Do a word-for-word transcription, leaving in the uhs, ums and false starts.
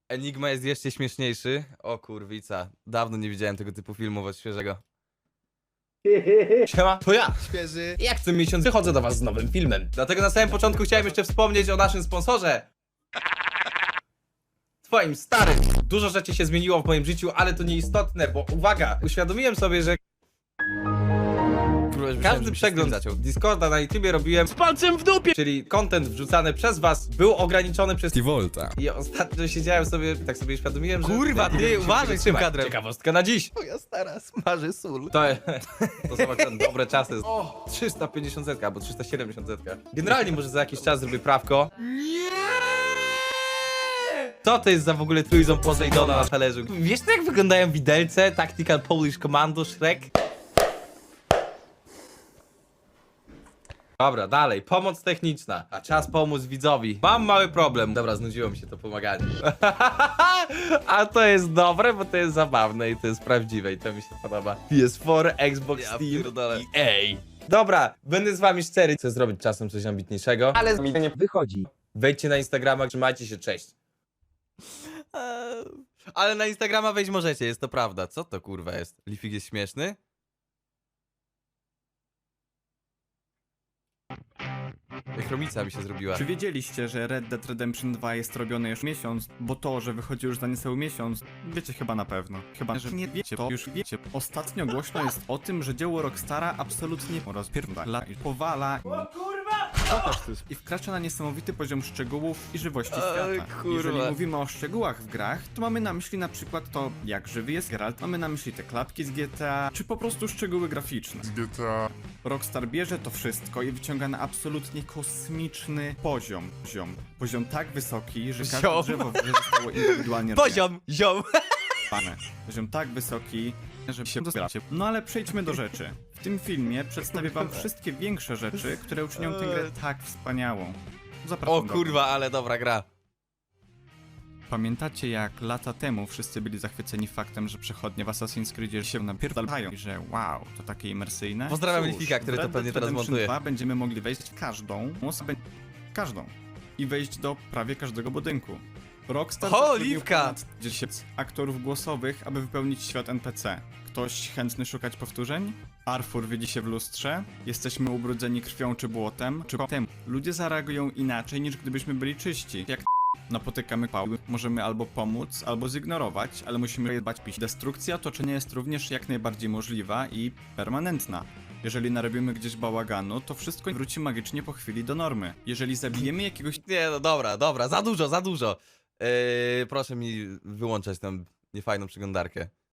Enigma jest jeszcze śmieszniejszy. O kurwica, dawno nie widziałem tego typu filmu od świeżego. Siema, to ja, świeży. Jak co miesiąc wychodzę do was z nowym filmem. Dlatego na samym początku chciałem jeszcze wspomnieć o naszym sponsorze. Twoim starym. Dużo rzeczy się zmieniło w moim życiu, ale to nieistotne, bo uwaga, uświadomiłem sobie, że każdy przegląd zaczął. Discorda na YouTubie robiłem z palcem w dupie, czyli content wrzucany przez was był ograniczony przez T-Volta. I ostatnio siedziałem sobie, tak sobie uświadomiłem, że... Kurwa, ty, nie wiem, uważaj z tym kadrem. Ciekawostka na dziś. Moja stara smaży sól. To, to są akurat dobre czasy. O, trzysta pięćdziesiąt zetka albo trzysta siedemdziesiąt zetka. Generalnie może za jakiś czas zrobię prawko. Nie! Co to jest za w ogóle trójząb Poseidona na talerzu? Wiesz jak wyglądają widelce? Tactical Polish Commando Shrek? Dobra, dalej. Pomoc techniczna. A czas pomóc widzowi. Mam mały problem. Dobra, znudziło mi się to pomaganie. A to jest dobre, bo to jest zabawne i to jest prawdziwe i to mi się podoba. P S cztery, Xbox, Ja Steam pierdolę. i E A. Dobra, będę z wami szczery. Chcę zrobić czasem coś ambitniejszego, ale Mi to nie wychodzi. wejdźcie na Instagrama, trzymajcie się, cześć. Eee, Ale na Instagrama wejść możecie, jest to prawda. Co to kurwa jest? Lifik jest śmieszny? Chromica mi się zrobiła. Czy wiedzieliście, że Red Dead Redemption dwa jest robione już miesiąc, bo to, że wychodzi już za niecały miesiąc, wiecie chyba na pewno. Chyba, że nie wiecie, to już wiecie. Ostatnio głośno jest o tym, że dzieło Rockstara absolutnie rozpierdala i powala i wkracza na niesamowity poziom szczegółów i żywości świata. kurwa. Jeżeli mówimy o szczegółach w grach, to mamy na myśli na przykład to, jak żywy jest Geralt, mamy na myśli te klapki z G T A, czy po prostu szczegóły graficzne. Z G T A. Rockstar bierze to wszystko i wyciąga na absolutnie kosmiczny poziom. Poziom, poziom tak wysoki, że każde Ziom. drzewo w grze zostało indywidualnie Poziom, ziom. rozwiązane. Poziom tak wysoki, że się dospieracie. No ale przejdźmy do rzeczy. W tym filmie przedstawię wam wszystkie większe rzeczy, które uczynią tę grę tak wspaniałą. Zapraszam O do kurwa, ale dobra gra. Pamiętacie jak lata temu wszyscy byli zachwyceni faktem, że przechodnie w Assassin's Creedzie się napierdalają i że wow, to takie imersyjne? Pozdrawiam Cóż, Lifika, który w to Red pewnie Dead teraz Redemption montuje. dwa będziemy mogli wejść w każdą osobę, każdą i wejść do prawie każdego budynku. Rockstar O, zatrudnił Liwka! ponad dziesięć aktorów głosowych, aby wypełnić świat N P C. Ktoś chętny szukać powtórzeń? Arthur widzi się w lustrze? Jesteśmy ubrudzeni krwią czy błotem? Czy potem? Ludzie zareagują inaczej niż gdybyśmy byli czyści. Jak napotykamy pały, możemy albo pomóc, albo zignorować, ale musimy dbać pić. Destrukcja otoczenia jest również jak najbardziej możliwa i permanentna. Jeżeli narobimy gdzieś bałaganu, to wszystko wróci magicznie po chwili do normy. Jeżeli zabijemy jakiegoś Nie no dobra, dobra, za dużo, za dużo. Yy, proszę mi wyłączać tę niefajną przeglądarkę.